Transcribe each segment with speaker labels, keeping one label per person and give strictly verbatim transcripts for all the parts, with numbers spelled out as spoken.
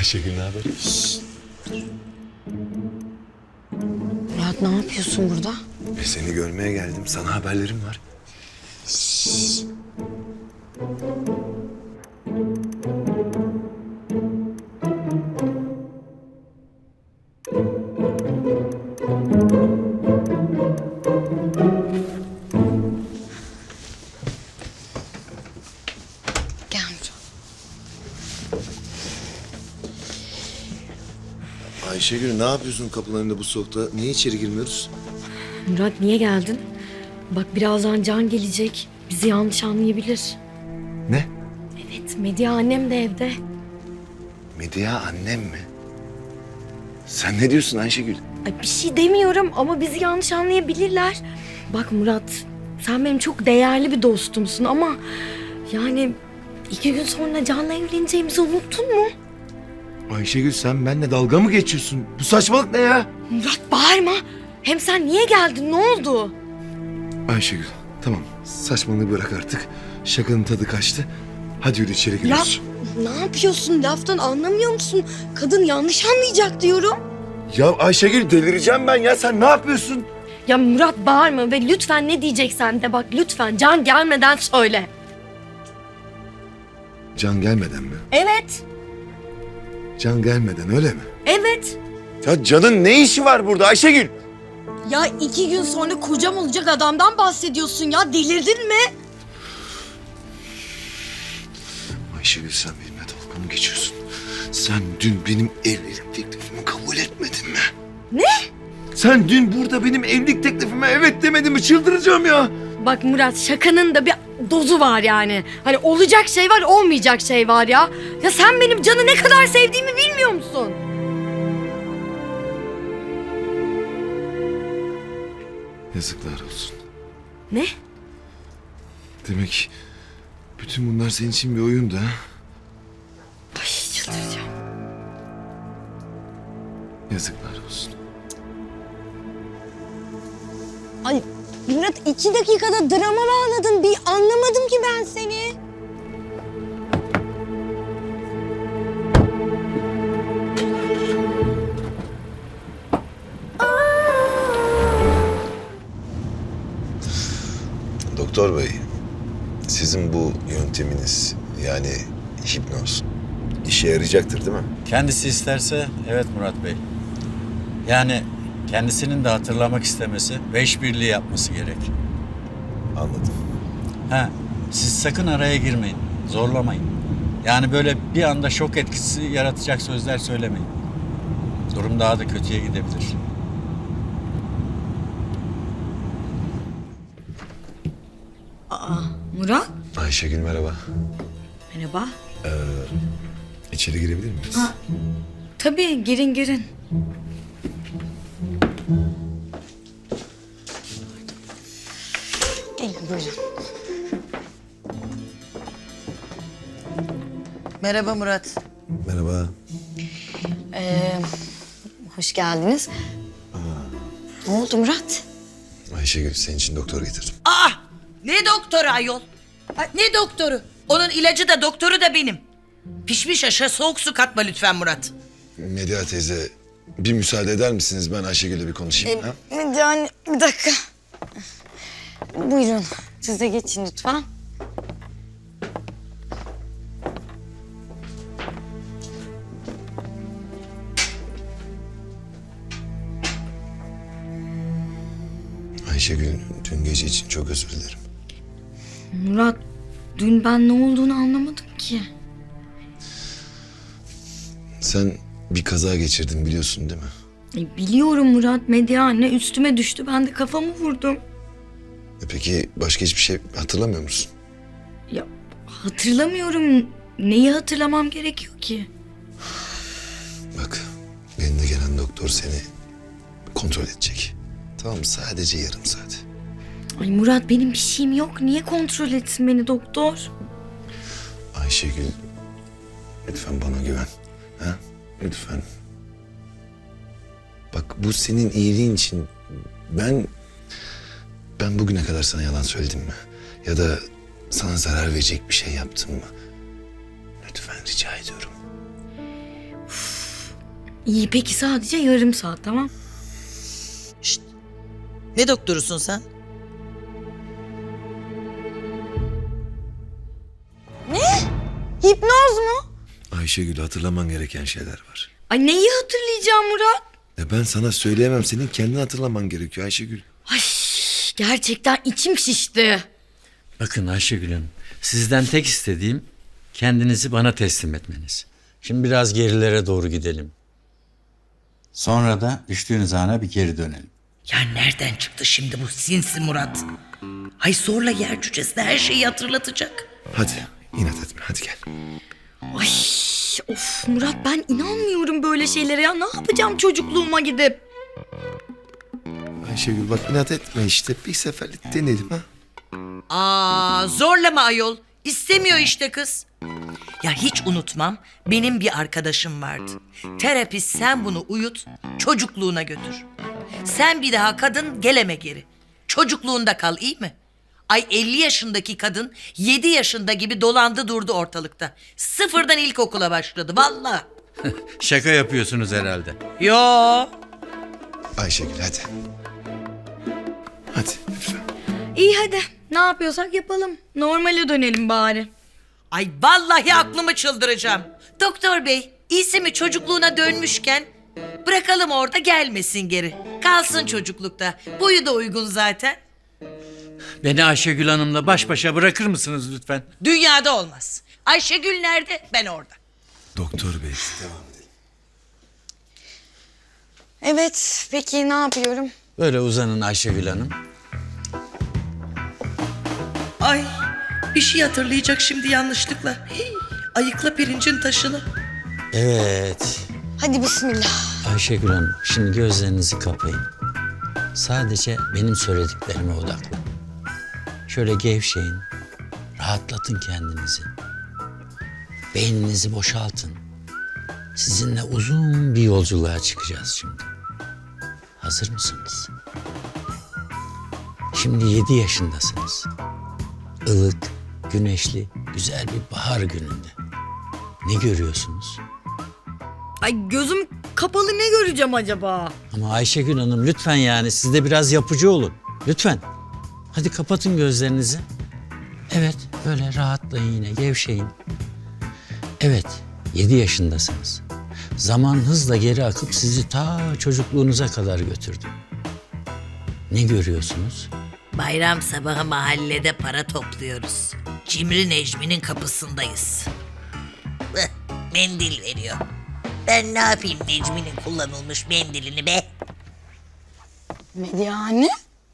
Speaker 1: Ayşegül ne haber?
Speaker 2: Murat ne yapıyorsun burada?
Speaker 1: E seni görmeye geldim. Sana haberlerim var.
Speaker 2: Gel Murat.
Speaker 1: Ayşegül ne yapıyorsun kapının önünde bu soğukta? Niye içeri girmiyoruz?
Speaker 2: Murat niye geldin? Bak birazdan Can gelecek. Bizi yanlış anlayabilir.
Speaker 1: Ne?
Speaker 2: Evet, Medya annem de evde.
Speaker 1: Medya annem mi? Sen ne diyorsun Ayşegül?
Speaker 2: Ay, bir şey demiyorum ama bizi yanlış anlayabilirler. Bak Murat, sen benim çok değerli bir dostumsun ama... Yani iki gün sonra Can'la evleneceğimizi unuttun mu?
Speaker 1: Ayşegül sen benimle dalga mı geçiyorsun? Bu saçmalık ne ya?
Speaker 2: Murat bağırma. Hem sen niye geldin? Ne oldu?
Speaker 1: Ayşegül tamam saçmalığı bırak artık. Şakanın tadı kaçtı. Hadi yürü içeri
Speaker 2: Ya
Speaker 1: giriyoruz.
Speaker 2: ne yapıyorsun? Laftan anlamıyor musun? Kadın yanlış anlayacak diyorum.
Speaker 1: Ya Ayşegül delireceğim ben ya. Sen ne yapıyorsun?
Speaker 2: Ya Murat bağırma ve lütfen ne diyeceksen de bak lütfen Can gelmeden söyle.
Speaker 1: Can gelmeden mi?
Speaker 2: Evet.
Speaker 1: Can gelmeden öyle mi?
Speaker 2: Evet.
Speaker 1: Ya Can'ın ne işi var burada Ayşegül?
Speaker 2: Ya iki gün sonra kocam olacak adamdan bahsediyorsun ya. Delirdin mi?
Speaker 1: Ayşegül sen benimle dalga mı geçiyorsun? Sen dün benim evlilik teklifimi kabul etmedin mi?
Speaker 2: Ne?
Speaker 1: Sen dün burada benim evlilik teklifime evet demedin mi? Çıldıracağım ya.
Speaker 2: Bak Murat şakanın da bir dozu var yani. Hani olacak şey var olmayacak şey var ya. Ya sen benim Can'ı ne kadar sevdiğimi bilmiyor musun?
Speaker 1: Yazıklar olsun.
Speaker 2: Ne?
Speaker 1: Demek bütün bunlar senin için bir oyundu ha?
Speaker 2: Ay çıldıracağım.
Speaker 1: Yazıklar olsun.
Speaker 2: Ay Murat iki dakikada drama bağladın. Bir anlamadım ki ben seni.
Speaker 1: Doktor bey, sizin bu yönteminiz yani hipnoz işe yarayacaktır değil mi?
Speaker 3: Kendisi isterse evet Murat Bey. Yani kendisinin de hatırlamak istemesi ve işbirliği yapması gerek.
Speaker 1: Anladım.
Speaker 3: Ha, siz sakın araya girmeyin, zorlamayın. Yani böyle bir anda şok etkisi yaratacak sözler söylemeyin. Durum daha da kötüye gidebilir.
Speaker 2: Murat.
Speaker 1: Ayşegül merhaba.
Speaker 2: Merhaba.
Speaker 1: İçeri girebilir miyiz?
Speaker 2: Tabii girin girin. Gelin buyurun.
Speaker 4: Merhaba Murat.
Speaker 1: Merhaba.
Speaker 2: Ee, hoş geldiniz. Ne oldu Murat?
Speaker 1: Ayşegül senin için doktor getirdim.
Speaker 4: Aa! Ne doktoru ayol? Ay, ne doktoru? Onun ilacı da doktoru da benim. Pişmiş aşa soğuk su katma lütfen Murat.
Speaker 1: Medya teyze bir müsaade eder misiniz? Ben Ayşegül'le bir konuşayım. ha?
Speaker 2: Yani bir dakika. Buyurun. Siz de geçin lütfen.
Speaker 1: Ayşegül dün gece için çok özür dilerim.
Speaker 2: Murat, dün ben ne olduğunu anlamadım ki.
Speaker 1: Sen bir kaza geçirdin biliyorsun değil mi?
Speaker 2: E, biliyorum Murat, Medya anne üstüme düştü. Ben de kafamı vurdum.
Speaker 1: E peki başka hiçbir şey hatırlamıyor musun?
Speaker 2: Ya hatırlamıyorum. Neyi hatırlamam gerekiyor ki?
Speaker 1: Bak benimle gelen doktor seni kontrol edecek. Tamam sadece yarım saat.
Speaker 2: Ay Murat benim bir şeyim yok. Niye kontrol etsin beni doktor?
Speaker 1: Ayşegül lütfen bana güven. Ha? Lütfen. Bak bu senin iyiliğin için ben ben bugüne kadar sana yalan söyledim mi? Ya da sana zarar verecek bir şey yaptım mı? Lütfen rica ediyorum.
Speaker 2: İyi peki sadece yarım saat tamam.
Speaker 4: Şşt. Ne doktorusun sen?
Speaker 2: Hipnoz mu?
Speaker 1: Ayşegül, hatırlaman gereken şeyler var.
Speaker 2: Ay neyi hatırlayacağım Murat?
Speaker 1: Ya ben sana söyleyemem. Senin kendin hatırlaman gerekiyor Ayşegül.
Speaker 2: Ay gerçekten içim şişti.
Speaker 3: Bakın Ayşegül Hanım, sizden tek istediğim kendinizi bana teslim etmeniz. Şimdi biraz gerilere doğru gidelim. Sonra da düştüğünüz ana bir geri dönelim.
Speaker 4: Ya nereden çıktı şimdi bu sinsi Murat? Ay zorla yer cücesine her şeyi hatırlatacak.
Speaker 1: Hadi inat etme, hadi gel.
Speaker 2: Ay of Murat ben inanmıyorum böyle şeylere ya. Ne yapacağım çocukluğuma gidip?
Speaker 1: Ayşegül bak, inat etme işte. Bir seferlik deneyelim ha.
Speaker 4: Aa, zorlama ayol. İstemiyor işte kız. Ya hiç unutmam, benim bir arkadaşım vardı. Terapist sen bunu uyut, çocukluğuna götür. Sen bir daha kadın geleme geri. Çocukluğunda kal, iyi mi? Ay elli yaşındaki kadın yedi yaşında gibi dolandı durdu ortalıkta. Sıfırdan ilkokula başladı vallahi.
Speaker 3: Şaka yapıyorsunuz herhalde.
Speaker 4: Yo.
Speaker 1: Ayşegül hadi. Hadi lütfen.
Speaker 2: İyi hadi ne yapıyorsak yapalım. Normale dönelim bari.
Speaker 4: Ay vallahi aklımı çıldıracağım. Doktor bey, iyisi mi çocukluğuna dönmüşken bırakalım orada gelmesin geri. Kalsın çocuklukta. Boyu da uygun zaten.
Speaker 3: Beni Ayşegül Hanım'la baş başa bırakır mısınız lütfen?
Speaker 4: Dünyada olmaz. Ayşegül nerede? Ben orada.
Speaker 1: Doktor bey devam edelim.
Speaker 2: Evet peki ne yapıyorum?
Speaker 3: Böyle uzanın Ayşegül Hanım.
Speaker 4: Ay bir şey hatırlayacak şimdi yanlışlıkla. Hii, ayıkla pirincin taşını.
Speaker 3: Evet.
Speaker 2: Hadi bismillah.
Speaker 3: Ayşegül Hanım, şimdi gözlerinizi kapayın. Sadece benim söylediklerime odaklanın. Şöyle gevşeyin, rahatlatın kendinizi. Beyninizi boşaltın. Sizinle uzun bir yolculuğa çıkacağız şimdi. Hazır mısınız? Şimdi yedi yaşındasınız. Ilık, güneşli, güzel bir bahar gününde. Ne görüyorsunuz?
Speaker 2: Ay gözüm kapalı ne göreceğim acaba?
Speaker 3: Ama Ayşegül Hanım lütfen yani siz de biraz yapıcı olun. Lütfen. Hadi kapatın gözlerinizi. Evet böyle rahatlayın yine gevşeyin. Evet yedi yaşındasınız. Zaman hızla geri akıp sizi ta çocukluğunuza kadar götürdü. Ne görüyorsunuz?
Speaker 4: Bayram sabahı mahallede para topluyoruz. Cimri Necmi'nin kapısındayız. Hıh, mendil veriyor. Ben ne yapayım Necmi'nin kullanılmış mendilini be?
Speaker 2: Yani?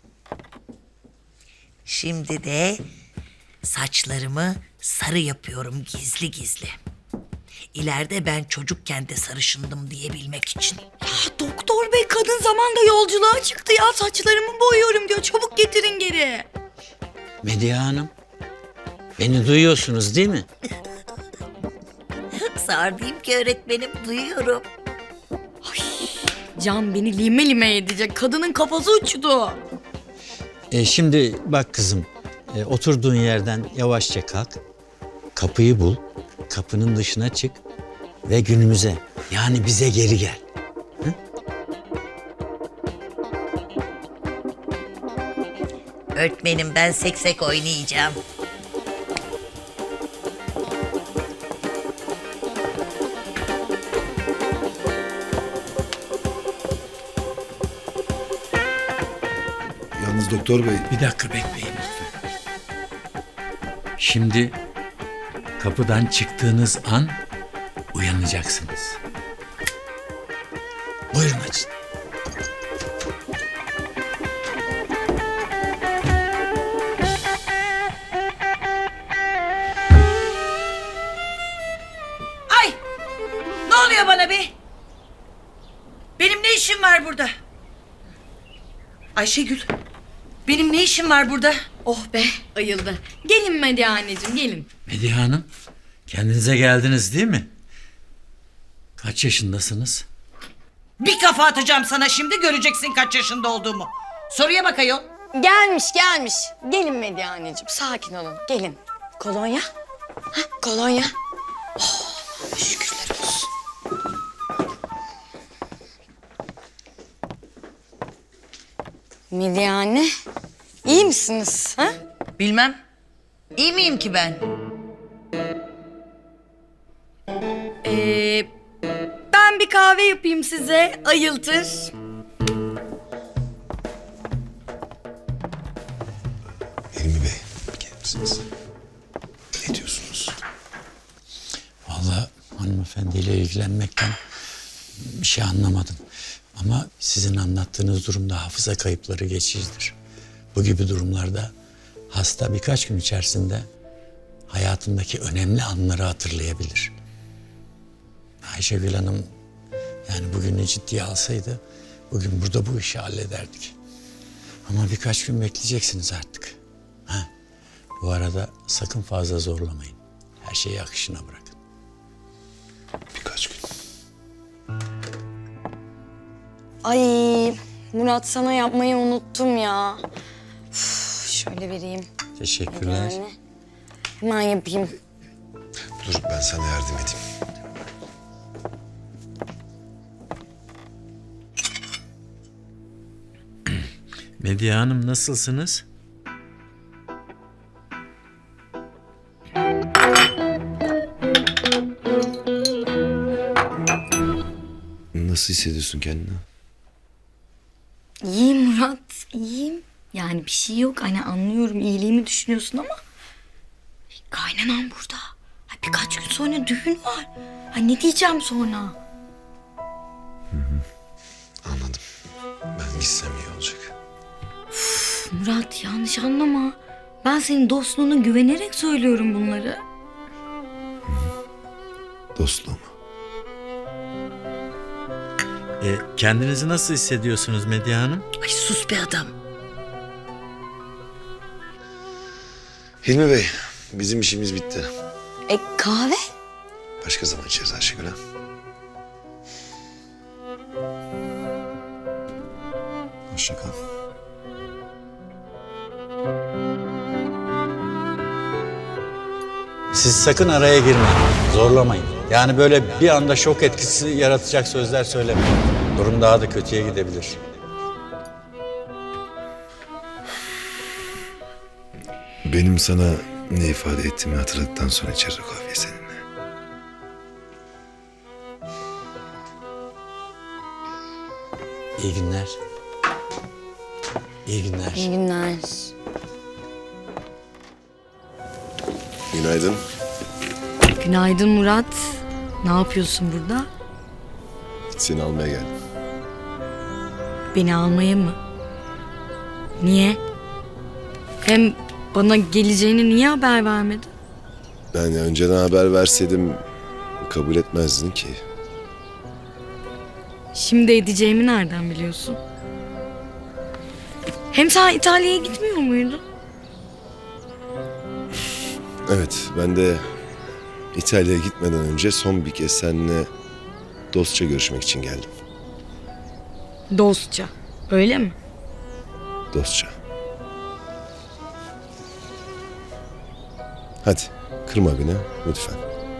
Speaker 4: Şimdi de saçlarımı sarı yapıyorum gizli gizli. İleride ben çocukken de sarışındım diyebilmek için.
Speaker 2: Ya doktor bey kadın zamanda yolculuğa çıktı ya. Saçlarımı boyuyorum diyor. Çabuk getirin geri.
Speaker 3: Medya Hanım. Beni duyuyorsunuz değil mi?
Speaker 4: Sağır diyeyim ki öğretmenim duyuyorum.
Speaker 2: Can beni lime lime edecek. Kadının kafası uçtu.
Speaker 3: E, şimdi bak kızım. e, oturduğun yerden yavaşça kalk. Kapıyı bul. Kapının dışına çık. Ve günümüze yani bize geri gel.
Speaker 4: Öğretmenim ben seksek oynayacağım.
Speaker 1: Yalnız doktor bey,
Speaker 3: Bir dakika bekleyin lütfen. Şimdi kapıdan çıktığınız an uyanacaksınız. Buyurun açın.
Speaker 4: Ay! Ne oluyor bana be? Benim ne işim var burada? Ayşegül, benim ne işim var burada?
Speaker 2: Oh be ayıldı. Gelin Medya anneciğim gelin.
Speaker 3: Medya Hanım, kendinize geldiniz değil mi? Kaç yaşındasınız?
Speaker 4: Bir kafa atacağım sana şimdi göreceksin kaç yaşında olduğumu. Soruya bak ayol.
Speaker 2: Gelmiş gelmiş. Gelin Medya anneciğim sakin olun gelin. Kolonya. Hah, kolonya. Oh, şükürler olsun. Medya anne, iyi misiniz? Ha?
Speaker 4: Bilmem. İyi miyim ki ben?
Speaker 2: Ee, ben bir kahve yapayım size, ayıltır.
Speaker 1: Hilmi Bey, gelir misiniz? Ne diyorsunuz?
Speaker 3: Vallahi hanımefendiyle ilgilenmekten bir şey anlamadım. Ama sizin anlattığınız durumda hafıza kayıpları geçicidir. Bu gibi durumlarda hasta birkaç gün içerisinde hayatındaki önemli anları hatırlayabilir. Ayşegül Hanım yani bugünü ciddiye alsaydı bugün burada bu işi hallederdik. Ama birkaç gün bekleyeceksiniz artık. Ha. Bu arada sakın fazla zorlamayın. Her şeyi akışına bırakın.
Speaker 1: Birkaç gün.
Speaker 2: Ay Murat, sana yapmayı unuttum ya. Üf, şöyle vereyim.
Speaker 3: Teşekkürler.
Speaker 2: Yani hemen yapayım.
Speaker 1: Dur ben sana yardım edeyim.
Speaker 3: Medya Hanım nasılsınız?
Speaker 1: Nasıl hissediyorsun kendini?
Speaker 2: İyiyim Murat, iyiyim. Yani bir şey yok. Hani anlıyorum, iyiliğimi düşünüyorsun ama... Kaynanam burada. Ha, birkaç gün sonra düğün var. Ha, ne diyeceğim sonra?
Speaker 1: Anladım. Ben gitsem iyi olacak.
Speaker 2: Üf, Murat, yanlış anlama. Ben senin dostluğuna güvenerek söylüyorum bunları.
Speaker 1: Dostluğumu.
Speaker 3: E, kendinizi nasıl hissediyorsunuz Medya Hanım?
Speaker 4: Ay sus be adam.
Speaker 1: Hilmi Bey, bizim işimiz bitti.
Speaker 2: E kahve?
Speaker 1: Başka zaman içeriz Ayşegül ha. Hoşça kal.
Speaker 3: Siz sakın araya girmeyin. Zorlamayın. Yani böyle bir anda şok etkisi yaratacak sözler söylemeyin. Durum daha da kötüye gidebilir.
Speaker 1: Benim sana ne ifade ettiğimi hatırladıktan sonra içeriz o kahveyi seninle.
Speaker 3: İyi günler. İyi günler.
Speaker 2: İyi günler.
Speaker 1: Günaydın.
Speaker 2: Günaydın Murat. Ne yapıyorsun burada?
Speaker 1: Seni almaya geldim.
Speaker 2: Beni almaya mı? Niye? Hem bana geleceğini niye haber vermedin?
Speaker 1: Ben önceden haber verseydim kabul etmezdin ki.
Speaker 2: Şimdi edeceğimi nereden biliyorsun? Hem sen İtalya'ya gitmiyor muydun?
Speaker 1: Evet, ben de İtalya'ya gitmeden önce son bir kez seninle dostça görüşmek için geldim.
Speaker 2: Dostça. Öyle mi?
Speaker 1: Dostça. Hadi, kırma beni lütfen.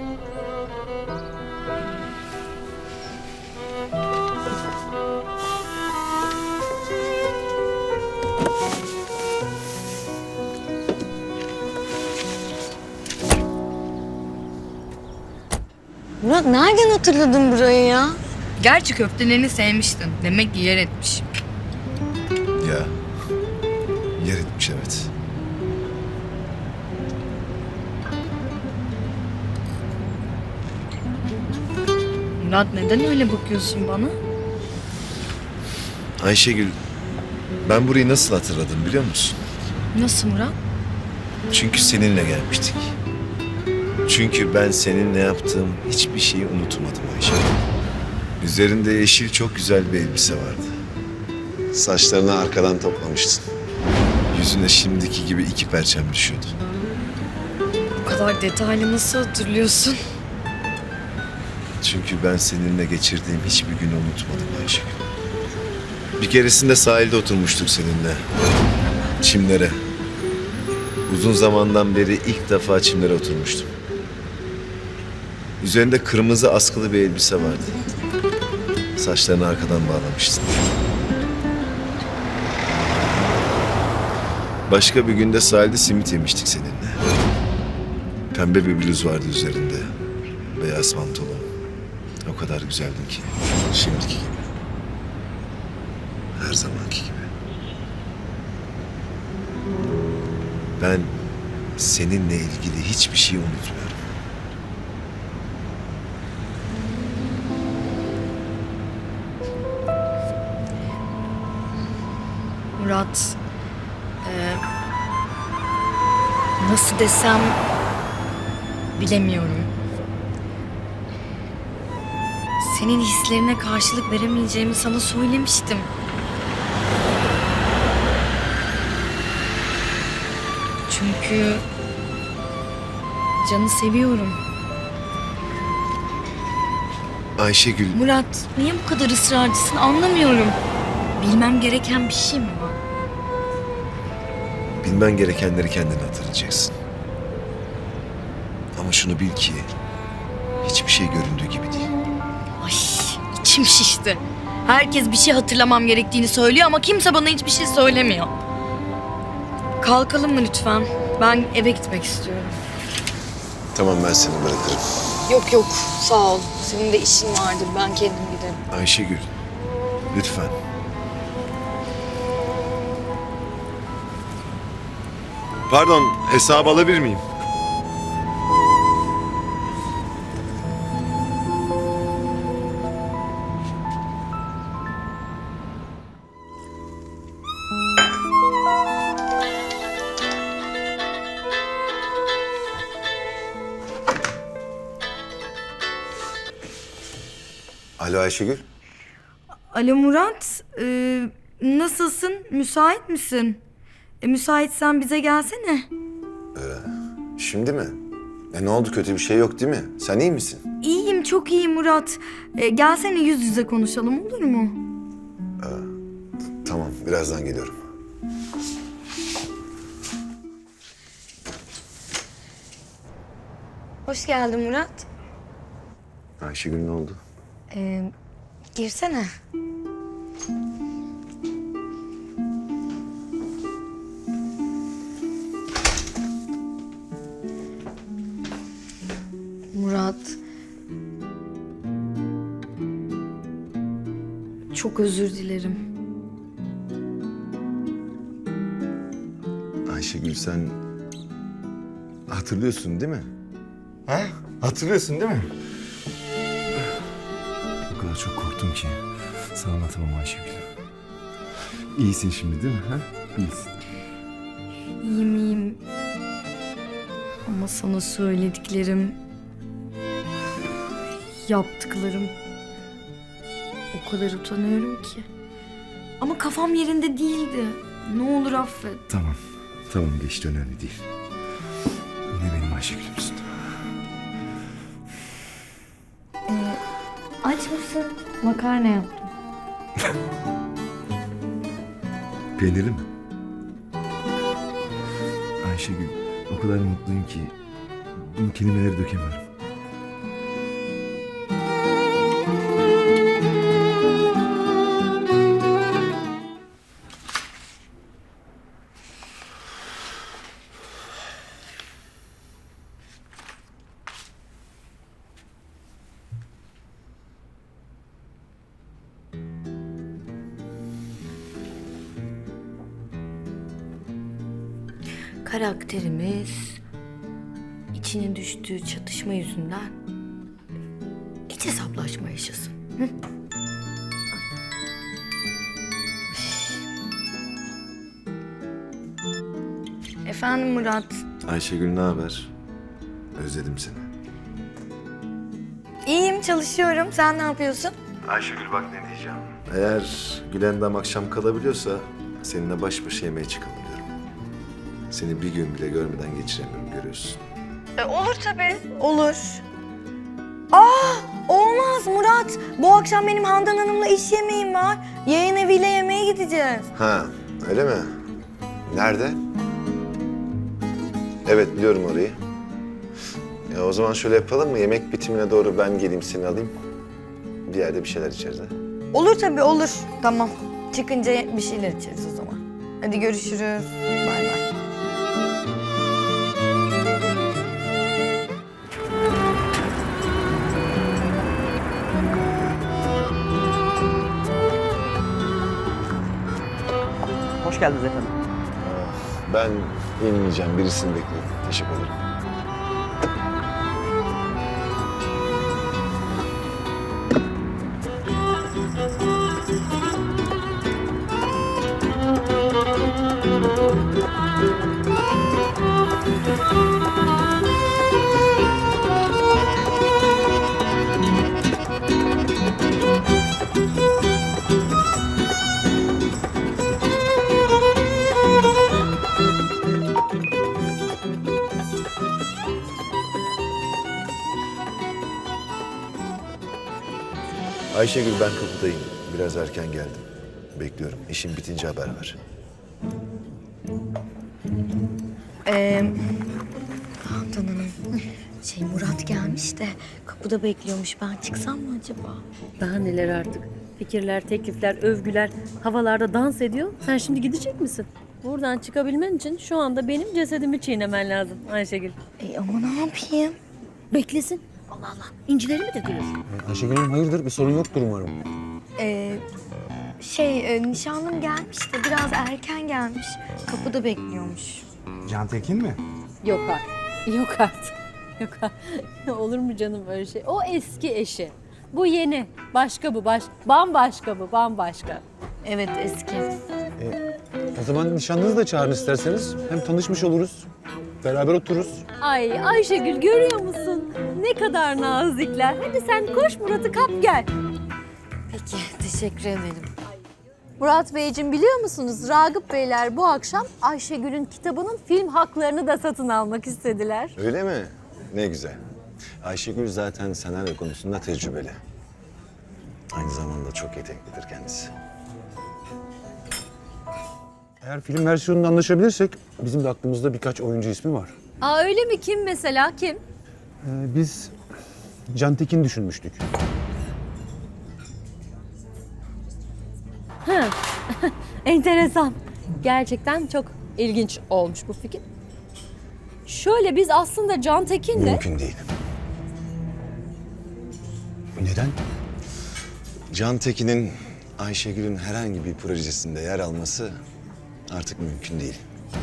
Speaker 2: Murat, nereden hatırladın burayı ya? Gerçi köftelerini sevmiştin. Demek ki yer etmiş.
Speaker 1: Ya, yer etmiş evet.
Speaker 2: Murat, neden öyle bakıyorsun bana?
Speaker 1: Ayşegül, ben burayı nasıl hatırladım biliyor musun?
Speaker 2: Nasıl Murat?
Speaker 1: Çünkü seninle gelmiştik. Çünkü ben seninle yaptığım hiçbir şeyi unutmadım Ayşegül. Üzerinde yeşil çok güzel bir elbise vardı. Saçlarını arkadan toplamıştın. Yüzüne şimdiki gibi iki perçem düşüyordu.
Speaker 2: Bu kadar detaylı nasıl hatırlıyorsun?
Speaker 1: Çünkü ben seninle geçirdiğim hiçbir günü unutmadım Ayşegül. Bir keresinde sahilde oturmuştuk seninle. Çimlere. Uzun zamandan beri ilk defa çimlere oturmuştum. Üzerinde kırmızı askılı bir elbise vardı. Saçlarını arkadan bağlamıştın. Başka bir günde sahilde simit yemiştik seninle. Pembe bir bluz vardı üzerinde. Beyaz pantolon. O kadar güzeldin ki. Şimdiki gibi. Her zamanki gibi. Ben seninle ilgili hiçbir şey unutmuyorum.
Speaker 2: Murat, e, nasıl desem bilemiyorum. Senin hislerine karşılık veremeyeceğimi sana söylemiştim. Çünkü Can'ı seviyorum.
Speaker 1: Ayşegül,
Speaker 2: Murat, niye bu kadar ısrarcısın anlamıyorum. Bilmem gereken bir şey mi var?
Speaker 1: bilmen gerekenleri kendin hatırlayacaksın. Ama şunu bil ki hiçbir şey göründüğü gibi değil.
Speaker 2: Ay, içim şişti. Herkes bir şey hatırlamam gerektiğini söylüyor ama kimse bana hiçbir şey söylemiyor. Kalkalım mı lütfen? Ben eve gitmek istiyorum.
Speaker 1: Tamam, ben seni bırakırım.
Speaker 2: Yok yok, sağ ol. Senin de işin vardır. Ben kendim giderim.
Speaker 1: Ayşegül, lütfen. Pardon, hesap alabilir miyim? Alo Ayşegül.
Speaker 2: Alo Murat, e, nasılsın? Müsait misin? E, müsaitsen bize gelsene.
Speaker 1: Şimdi mi? E ne oldu, kötü bir şey yok değil mi? Sen iyi misin?
Speaker 2: İyiyim, çok iyiyim Murat. E, gelsene yüz yüze konuşalım, olur mu?
Speaker 1: Tamam, birazdan geliyorum.
Speaker 2: Hoş geldin Murat.
Speaker 1: Ayşegül ne oldu?
Speaker 2: E, girsene. Murat. Çok özür dilerim.
Speaker 1: Ayşegül sen hatırlıyorsun değil mi? Ha? Hatırlıyorsun değil mi?
Speaker 5: O kadar çok korktum ki sana anlatamam Ayşegül. İyisin şimdi değil mi? Ha? İyisin.
Speaker 2: İyiyim iyiyim. Ama sana söylediklerim, yaptıklarım, o kadar utanıyorum ki. Ama kafam yerinde değildi. Ne olur affet.
Speaker 5: Tamam. Tamam geçti, önemli değil. Yine benim Ayşegül'ümsün.
Speaker 2: Aç mısın? Makarna yaptım.
Speaker 5: Peynirli mi? Ayşegül, o kadar mutluyum ki bunu kelimeleri dökemiyorum.
Speaker 2: Karakterimiz içine düştüğü çatışma yüzünden iç hesaplaşma yaşasın. Hı? Efendim Murat.
Speaker 1: Ayşegül ne haber? Özledim seni.
Speaker 2: İyiyim, çalışıyorum. Sen ne yapıyorsun?
Speaker 1: Ayşegül bak ne diyeceğim. Eğer Gülendam akşam kalabiliyorsa seninle baş başa yemeğe çıkalım diyorum. Seni bir gün bile görmeden geçiremiyorum, görüyorsun.
Speaker 2: E, olur tabii. Olur. Aa, olmaz Murat. Bu akşam benim Handan Hanım'la iş yemeğim var. Yayın eviyle yemeğe gideceğiz.
Speaker 1: Ha, öyle mi? Nerede? Evet, biliyorum orayı. Ya o zaman şöyle yapalım mı? Yemek bitimine doğru ben geleyim, seni alayım. Bir yerde bir şeyler içeriz ha.
Speaker 2: Olur tabii, olur. Tamam. Çıkınca bir şeyler içeriz o zaman. Hadi görüşürüz. Bay bay.
Speaker 6: Hoş geldiniz efendim.
Speaker 1: Ben inmeyeceğim. Birisini bekliyorum. Teşekkür ederim. Ayşegül, ben kapıdayım. Biraz erken geldim. Bekliyorum. İşim bitince haber ver.
Speaker 2: Ee, Handan Hanım, şey Murat gelmiş de kapıda bekliyormuş. Ben çıksam mı acaba?
Speaker 7: Daha neler artık. Fikirler, teklifler, övgüler havalarda dans ediyor. Sen şimdi gidecek misin? Buradan çıkabilmen için şu anda benim cesedimi çiğnemen lazım Ayşegül.
Speaker 2: E, ama ne yapayım?
Speaker 7: Beklesin. Allah Allah. İncileri mi dökülür?
Speaker 5: Ayşegül Hanım hayırdır? Bir sorun yoktur umarım.
Speaker 2: Ee, şey e, nişanlım gelmiş de biraz erken gelmiş. Kapıda bekliyormuş.
Speaker 8: Can Tekin mi?
Speaker 7: Yok artık. Yok artık. Yok artık. Olur mu canım öyle şey? O eski eşi. Bu yeni. Başka bu. Baş... Bambaşka bu. Bambaşka.
Speaker 2: Evet, eski.
Speaker 5: O zaman nişanlınızı da çağırın isterseniz. Hem tanışmış oluruz. Beraber otururuz.
Speaker 7: Ay Ayşegül görüyor musun? Ne kadar nazikler. Hadi sen koş Murat'ı kap gel.
Speaker 2: Peki, teşekkür ederim.
Speaker 7: Murat Beyciğim biliyor musunuz? Ragıp Beyler bu akşam Ayşegül'ün kitabının film haklarını da satın almak istediler.
Speaker 1: Öyle mi? Ne güzel. Ayşegül zaten senaryo konusunda tecrübeli. Aynı zamanda çok yeteneklidir kendisi.
Speaker 5: Eğer film versiyonunda anlaşabilirsek bizim de aklımızda birkaç oyuncu ismi var.
Speaker 7: Aa öyle mi? Kim mesela? Kim?
Speaker 5: Ee, biz Can Tekin düşünmüştük.
Speaker 7: Enteresan. Gerçekten çok ilginç olmuş bu fikir. Şöyle biz aslında Can Tekin'le...
Speaker 1: Mümkün değil.
Speaker 5: Neden?
Speaker 1: Can Tekin'in Ayşegül'ün herhangi bir projesinde yer alması artık mümkün değil.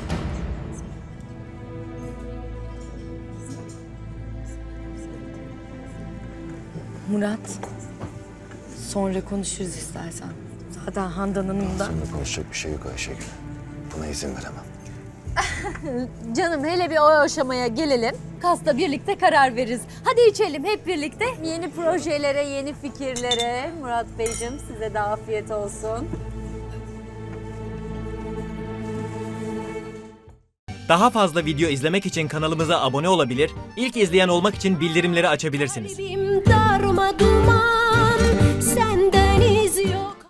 Speaker 2: Murat, sonra konuşuruz istersen. Zaten Handan Hanım da...
Speaker 1: Seninle konuşacak bir şey yok Ayşegül. Buna izin veremem.
Speaker 7: Canım hele bir o aşamaya gelelim. Kasta birlikte karar veririz. Hadi içelim hep birlikte. Yeni projelere, yeni fikirlere. Murat Beyciğim size de afiyet olsun.
Speaker 9: Daha fazla video izlemek için kanalımıza abone olabilir, ilk izleyen olmak için bildirimleri açabilirsiniz.
Speaker 7: Kalbim darma duman, senden iz yok.